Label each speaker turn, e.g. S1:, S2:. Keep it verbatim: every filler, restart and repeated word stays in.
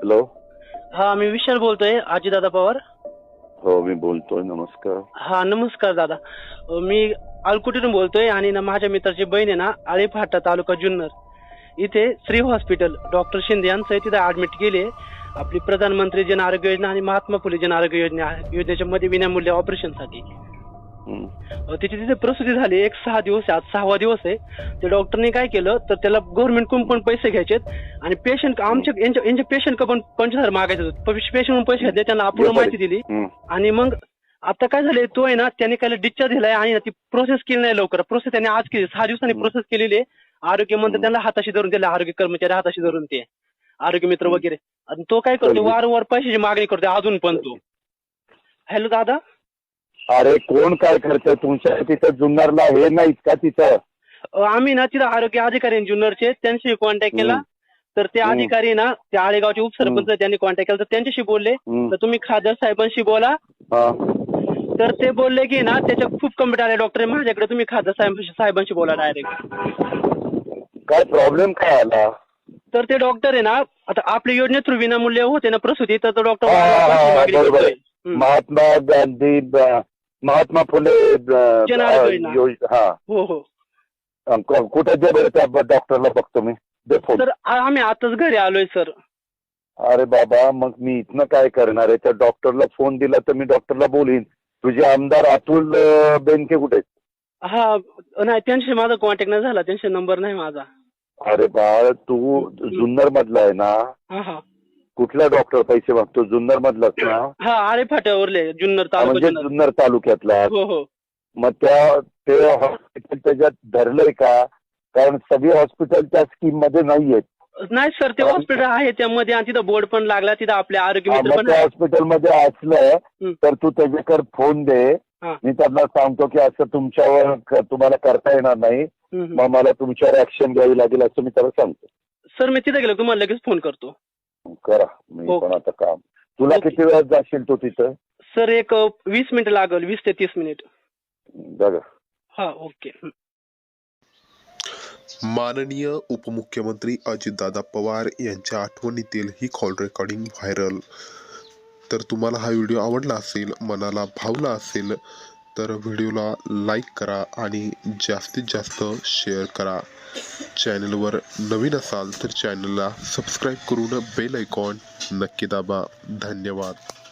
S1: Hello.
S2: हा, मी विशाल बोलतोय, आजीदादा पवार.
S1: हो, मी बोलतोय. नमस्कार.
S2: हा, नमस्कार दादा. अ, मी आलकुटीतून बोलतोय आणि ना माझ्या मित्राची बहीण आहे ना, आळीफाटा तालुका जुन्नर इथे श्री हॉस्पिटल डॉक्टर शिंदे यांचं तिथे ऍडमिट केले. आपली प्रधानमंत्री जन आरोग्य योजना आणि महात्मा फुले जन आरोग्य योजना योजनेच्या मध्ये विनामूल्य ऑपरेशनसाठी
S1: हं.
S2: तिची तिथे प्रसूती झाली. एक सहा दिवस आहे, आज सहावा दिवस आहे. ते डॉक्टरने काय केलं तर त्याला गव्हर्नमेंटकडून पण पैसे घ्यायचेत आणि पेशंट आमच्या यांच्या यांच्या पेशंट पण पंचवीस हजार मागायचे होते. पेशंट पैसे घेतले, त्यांना अपूर्ण माहिती दिली
S1: हं.
S2: आणि मग आता काय झालंय, तो आहे ना त्याने काय डिस्चार्ज दिलाय आणि ना ती प्रोसेस केली नाही लवकर. प्रोसेस त्याने आज केली, सहा दिवसांनी प्रोसेस केलेली आहे. आरोग्य मंत्री त्यांना हाताशी धरून दिले, आरोग्य कर्मचारी हाताशी धरून ते आरोग्य मित्र वगैरे. आणि तो काय करतो, वारंवार पैशाची मागणी करतो अजून पण तो. हॅलो दादा.
S1: अरे कोण काय करतं तुमच्या तिथं जुन्नरला? हे नाहीत का तिथं?
S2: अ, आम्ही ना तिथं आरोग्य अधिकारी आहेत जुन्नरचे, त्यांच्याशी कॉन्टॅक्ट केला.
S1: हं.
S2: तर ते
S1: हं.
S2: अधिकारी ना त्या आळेगावचे उपसरपंच
S1: हं.
S2: त्यांनी कॉन्टॅक्ट केला, तर त्यांच्याशी बोलले
S1: हं.
S2: तर तुम्ही खासदार साहेबांशी बोला.
S1: हा.
S2: तर ते बोलले की ना त्याच्या खूप कंप्लेंट आले डॉक्टर माझ्याकडे, तुम्ही खासदार साहेबांशी साहेबांशी बोला डायरेक्ट.
S1: काय प्रॉब्लेम काय आला?
S2: तर ते डॉक्टर आहे ना, आता आपल्या योजने थ्रू विनामूल्य होते ना प्रसूती, तर तो डॉक्टर
S1: हा, हा, हा,
S2: मागणी
S1: बरोबर
S2: करतोय.
S1: आहे. महात्मा गांधी ब- महात्मा फुले ब-
S2: जन आरोग्य योजना.
S1: योज- हा.
S2: हो हो.
S1: अं, क- कुठे दे बरं त्या डॉक्टरला बघतो मी. दे फोन.
S2: तर आ- आम्ही आताच घरी आलोय सर.
S1: अरे बाबा, मग मी इथनं काय करणार आहे? त्या डॉक्टरला फोन दिला तर मी डॉक्टरला बोलीन. तुझे आमदार अतुल अं, बेनके कुठे आहेत?
S2: हा, नाही त्यांच्याशी माझा कॉन्टॅक्ट नाही झाला, त्यांचा नंबर नाही माझा.
S1: अरे बाळ, तू जुन्नर मधला आहे ना?
S2: हा हा
S1: कुठला डॉक्टर पैसे मागतो? जुन्नर मधलाच ना?
S2: हा, आळे फाट्यावरले जुन्नर
S1: हा,
S2: तालुका
S1: म्हणजे
S2: जुन्नर.
S1: जुन्नर तालुक्यातला.
S2: हो हो.
S1: मग त्या ते हॉस्पिटल त्याच्यात धरलंय का? कारण सगळी हॉस्पिटल त्या स्कीम मध्ये नाहीयेत.
S2: नाही सर, ते हॉस्पिटल आहे त्यामध्ये आणि तिथं बोर्ड पण लागला, तिथं आपले आरोग्य
S1: हा,
S2: मित्र
S1: मग
S2: पण
S1: त्या
S2: आहे.
S1: हॉस्पिटलमध्ये असलं
S2: हं.
S1: तर तू त्याच्याकडे फोन दे.
S2: हा.
S1: मी त्यांना सांगतो की असं तुमच्यावर क- तुम्हाला करता येणार नाही,
S2: हं, हं.
S1: मग मला तुमच्यावर ऍक्शन घ्यावी लागेल असं मी त्याला सांगतो.
S2: सर मी तिथे गेलो तुम्हाला लगेच फोन करतो.
S1: करा. मी
S2: हो.
S1: पण आता काम. तुला
S2: ओके.
S1: किती वेळात जाशील तू तिथं?
S2: सर एक अ, वीस मिनिट लागेल, वीस ते तीस मिनिट.
S1: बघा.
S2: हा, ओके. हं.
S3: माननीय उपमुख्यमंत्री अजितदादा पवार यांच्या आठवणीतील ही कॉल रेकॉर्डिंग व्हायरल. तर तुम्हाला हा व्हिडिओ आवडला असेल, मनाला भावला असेल तर व्हिडिओला लाईक करा आणि जास्तीत जास्त शेअर करा. चॅनलवर नवीन असाल तर चॅनलला सबस्क्राईब करून बेल आयकॉन नक्की दाबा. धन्यवाद.